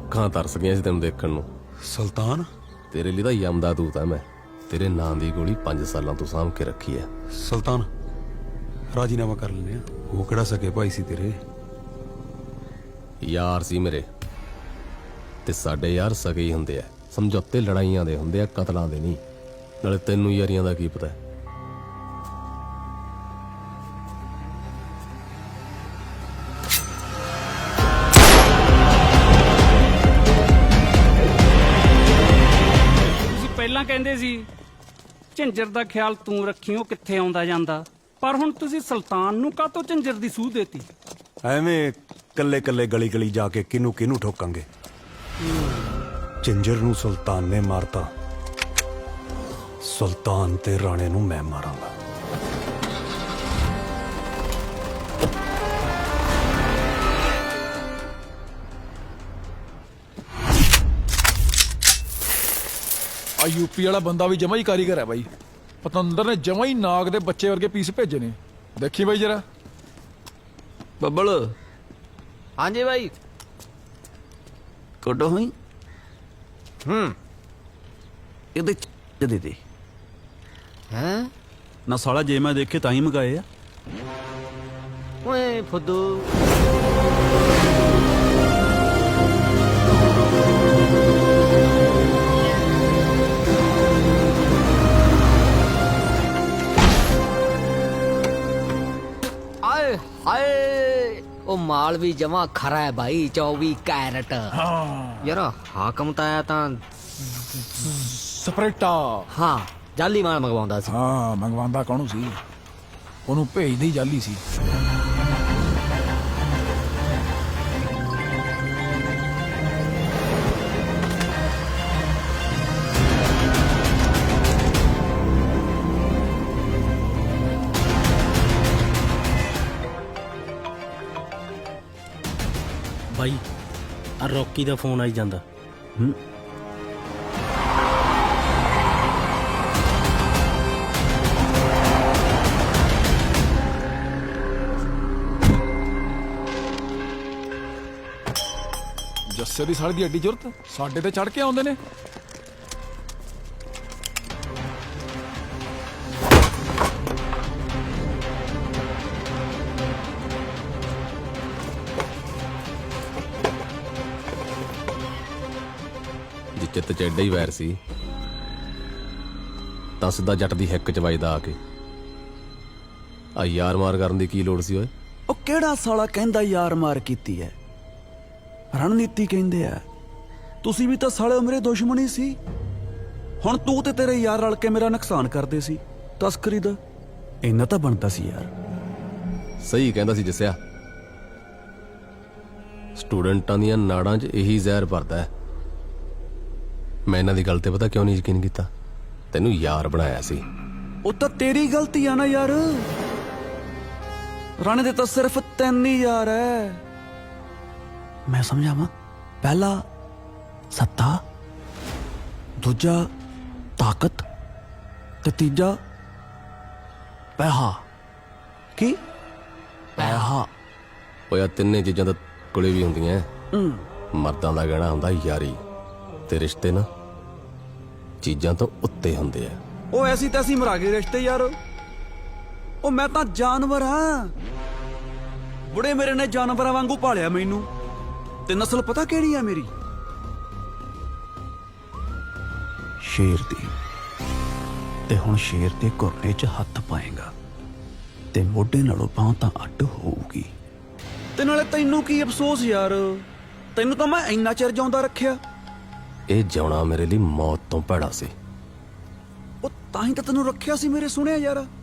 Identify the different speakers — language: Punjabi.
Speaker 1: ਅੱਖਾਂ ਤਰਸ ਗਈਆਂ ਸੀ ਤੈਨੂੰ ਦੇਖਣ ਨੂੰ।
Speaker 2: ਸੁਲਤਾਨ
Speaker 1: ਤੇਰੇ ਲਈ ਤਾਂ ਯਮਦਾ ਦੂਤ ਆ ਮੈਂ। ਤੇਰੇ ਨਾਂ ਦੀ ਗੋਲੀ 5 ਸਾਲਾਂ ਤੋਂ ਸਾਂਭ ਕੇ ਰੱਖੀ ਐ।
Speaker 2: ਸੁਲਤਾਨ ਰਾਜੀਨਾਮਾ ਕਰ ਲੈਨੇ ਆ। ਉਹ ਕਿਹੜਾ ਸਕੇ ਭਾਈ ਸੀ ਤੇਰੇ?
Speaker 1: ਯਾਰ ਸੀ ਮੇਰੇ, ਤੇ ਸਾਡੇ ਯਾਰ ਸਗੇ ਹੀ ਹੁੰਦੇ ਆ। ਸਮਝੌਤੇ ਲੜਾਈਆਂ ਦੇ ਹੁੰਦੇ ਆ, ਕਤਲਾਂ ਦੇ ਨਹੀਂ। ਨਾਲੇ ਤੈਨੂੰ ਯਾਰੀਆਂ ਦਾ ਕੀ ਪਤਾ?
Speaker 3: ਤੁਸੀਂ ਪਹਿਲਾਂ ਕਹਿੰਦੇ ਸੀ ਝੰਜਰ ਦਾ ਖਿਆਲ ਤੂੰ ਰੱਖੀ, ਉਹ ਕਿੱਥੇ ਆਉਂਦਾ ਜਾਂਦਾ, ਪਰ ਹੁਣ ਤੁਸੀਂ ਸੁਲਤਾਨ ਨੂੰ ਕਾਹਤੋਂ ਝੰਜਰ ਦੀ ਸੂਹ ਦੇਤੀ?
Speaker 2: ਐਵੇਂ ਕੱਲੇ ਕੱਲੇ ਗਲੀ ਗਲੀ ਜਾ ਕੇ ਕਿਹਨੂੰ ਕਿਹਨੂੰ ਠੋਕਾਂਗੇ। ਝੰਜਰ ਨੂੰ ਸੁਲਤਾਨ ਨੇ ਮਾਰਤਾ, ਸੁਲਤਾਨ ਤੇ ਰਾਣੇ ਨੂੰ ਮੈਂ ਮਾਰਾਂਗਾ।
Speaker 4: ਆ ਯੂਪੀ ਵਾਲਾ ਬੰਦਾ ਵੀ ਜਮਾ ਹੀ ਕਾਰੀਗਰ ਹੈ ਬਾਈ। ਪਤੰਦਰ ਨੇ ਜਮਾ ਹੀ ਨਾਗ ਦੇ ਬੱਚੇ ਵਰਗੇ ਪੀਸ ਭੇਜੇ ਨੇ। ਦੇਖੀ ਬਾਈ ਜਰਾ।
Speaker 5: ਬੱਬਲ। ਹਾਂਜੀ ਬਾਈ। ਕੋਡੋ ਹੋਈ ਇਹਦੇ ਦੇ ਦੇ ਹੈ ਨਾ ਸਾਲਾ। ਜੇ ਮੈਂ ਦੇਖੇ ਤਾਂ ਹੀ ਮਗਾਏ ਆ। ਓਏ ਫੁੱਦੂ।
Speaker 6: ਆਏ ਹਾਏ, ਉਹ ਮਾਲ ਵੀ ਜਮਾ ਖਰਾ ਹੈ ਭਾਈ। 24 ਕੈਰਟ। ਯਾਰ ਹਾਕਮ ਤਾਂ ਆਇਆ ਤਾਂ
Speaker 4: ਸਪਰੇਟਾ।
Speaker 6: ਹਾਂ ਜਾਲੀ ਮਾਲ ਮੰਗਵਾਉਂਦਾ ਸੀ।
Speaker 4: ਹਾਂ ਮੰਗਵਾਉਂਦਾ ਕੌਣ ਸੀ? ਉਹਨੂੰ ਭੇਜਦੀ ਜਾਲੀ ਸੀ।
Speaker 7: ਬਾਈ ਆ ਰੌਕੀ ਦਾ ਫੋਨ ਆਈ ਜਾਂਦਾ।
Speaker 4: ਜੱਸੇ ਦੀ ਸਾਲੀ ਦੀ ਐਡੀ ਜ਼ਰੂਰਤ ਸਾਡੇ ਤੇ ਚੜ ਕੇ ਆਉਂਦੇ ਨੇ।
Speaker 1: ਜੇ ਚਿੱਤ ਚ ਐਡਾ ਹੀ ਵੈਰ ਸੀ ਤਾਂ ਸਿੱਧਾ ਜੱਟ ਦੀ ਹਿੱਕ ਚ ਵੱਜਦਾ ਆ ਕੇ। ਆ ਯਾਰ ਮਾਰ ਕਰਨ ਦੀ ਕੀ ਲੋੜ ਸੀ ਓਏ?
Speaker 5: ਉਹ ਕਿਹੜਾ ਸਾਲਾ ਕਹਿੰਦਾ ਯਾਰ ਮਾਰ ਕੀਤੀ ਐ? ਰਣਨੀਤੀ ਕਹਿੰਦੇ ਆ। ਤੁਸੀਂ ਵੀ ਤਾਂ ਸਾਲੇ ਮੇਰੇ ਦੁਸ਼ਮਣ ਹੀ ਸੀ। ਹੁਣ ਤੂੰ ਤੇ ਤੇਰੇ ਯਾਰ ਰਲ ਕੇ ਮੇਰਾ ਨੁਕਸਾਨ ਕਰਦੇ ਸੀ ਤਸਕਰੀ ਦਾ। ਇੰਨਾ ਤਾਂ ਬਣਦਾ ਸੀ ਯਾਰ।
Speaker 1: ਸਹੀ ਕਹਿੰਦਾ ਸੀ ਜੱਸਿਆ। ਸਟੂਡੈਂਟਾਂ ਦੀਆਂ ਨਾੜਾਂ 'ਚ ਇਹੀ ਜ਼ਹਿਰ ਭਰਦਾ ਹੈ। ਮੈਂ ਇਹਨਾਂ ਦੀ ਗੱਲ ਤੇ ਪਤਾ ਕਿਉਂ ਨਹੀਂ ਯਕੀਨ ਕੀਤਾ? ਤੈਨੂੰ ਯਾਰ ਬਣਾਇਆ ਸੀ।
Speaker 5: ਉਹ ਤਾਂ ਤੇਰੀ ਗਲਤੀ ਆ ਨਾ ਯਾਰ। ਰਾਣੇ ਦੇ ਤਾਂ ਸਿਰਫ 3 ਹੀ ਯਾਰ ਐ। ਮੈਂ ਸਮਝਾਵਾਂ। ਪਹਿਲਾ ਸੱਤਾ, ਦੂਜਾ ਤਾਕਤ, ਤੇ ਤੀਜਾ ਪੈਸਾ। ਕੀ? ਪੈਸਾ।
Speaker 1: ਓਏ ਆ ਤਿੰਨੇ ਚੀਜ਼ਾਂ ਤਾਂ ਕੋਲੇ ਵੀ ਹੁੰਦੀਆਂ। ਮਰਦਾਂ ਦਾ ਗਹਿਣਾ ਹੁੰਦਾ ਯਾਰੀ, ਤੇ ਰਿਸ਼ਤੇ ਨਾ ਚੀਜ਼ਾਂ ਤੋਂ ਉੱਤੇ ਹੁੰਦੇ ਆ।
Speaker 5: ਉਹ ਐਸੀ ਤੈਸੀ ਮਰਾ ਗਏ ਰਿਸ਼ਤੇ ਯਾਰ। ਉਹ ਮੈਂ ਤਾਂ ਜਾਨਵਰ ਹਾਂ। ਬੁੜੇ ਮੇਰੇ ਨੇ ਜਾਨਵਰਾਂ ਵਾਂਗੂ ਪਾਲਿਆ ਮੈਨੂੰ। ਤੇ ਨਸਲ ਪਤਾ ਕਿਹੜੀ ਆ ਮੇਰੀ? ਸ਼ੇਰ ਦੀ। ਤੇ ਹੁਣ ਸ਼ੇਰ ਦੇ ਘੁਰਨੇ 'ਚ ਹੱਥ ਪਾਏਗਾ ਤੇ ਮੋਢੇ ਨਾਲੋਂ ਬਾਂਹ ਤਾਂ ਅੱਡ ਹੋਊਗੀ। ਤੇ ਨਾਲੇ ਤੈਨੂੰ ਕੀ ਅਫਸੋਸ ਯਾਰ? ਤੈਨੂੰ ਤਾਂ ਮੈਂ ਇੰਨਾ ਚਿਰ ਜਿਉਂਦਾ ਰੱਖਿਆ।
Speaker 1: ਇਹ ਜਿਉਣਾ ਮੇਰੇ ਲਈ ਮੌਤ ਤੋਂ ਭੈੜਾ ਸੀ।
Speaker 5: ਉਹ ਤਾਂ ਹੀ ਤਾਂ ਤੈਨੂੰ ਰੱਖਿਆ ਸੀ ਮੇਰੇ ਸੁਣਿਆ ਯਾਰ।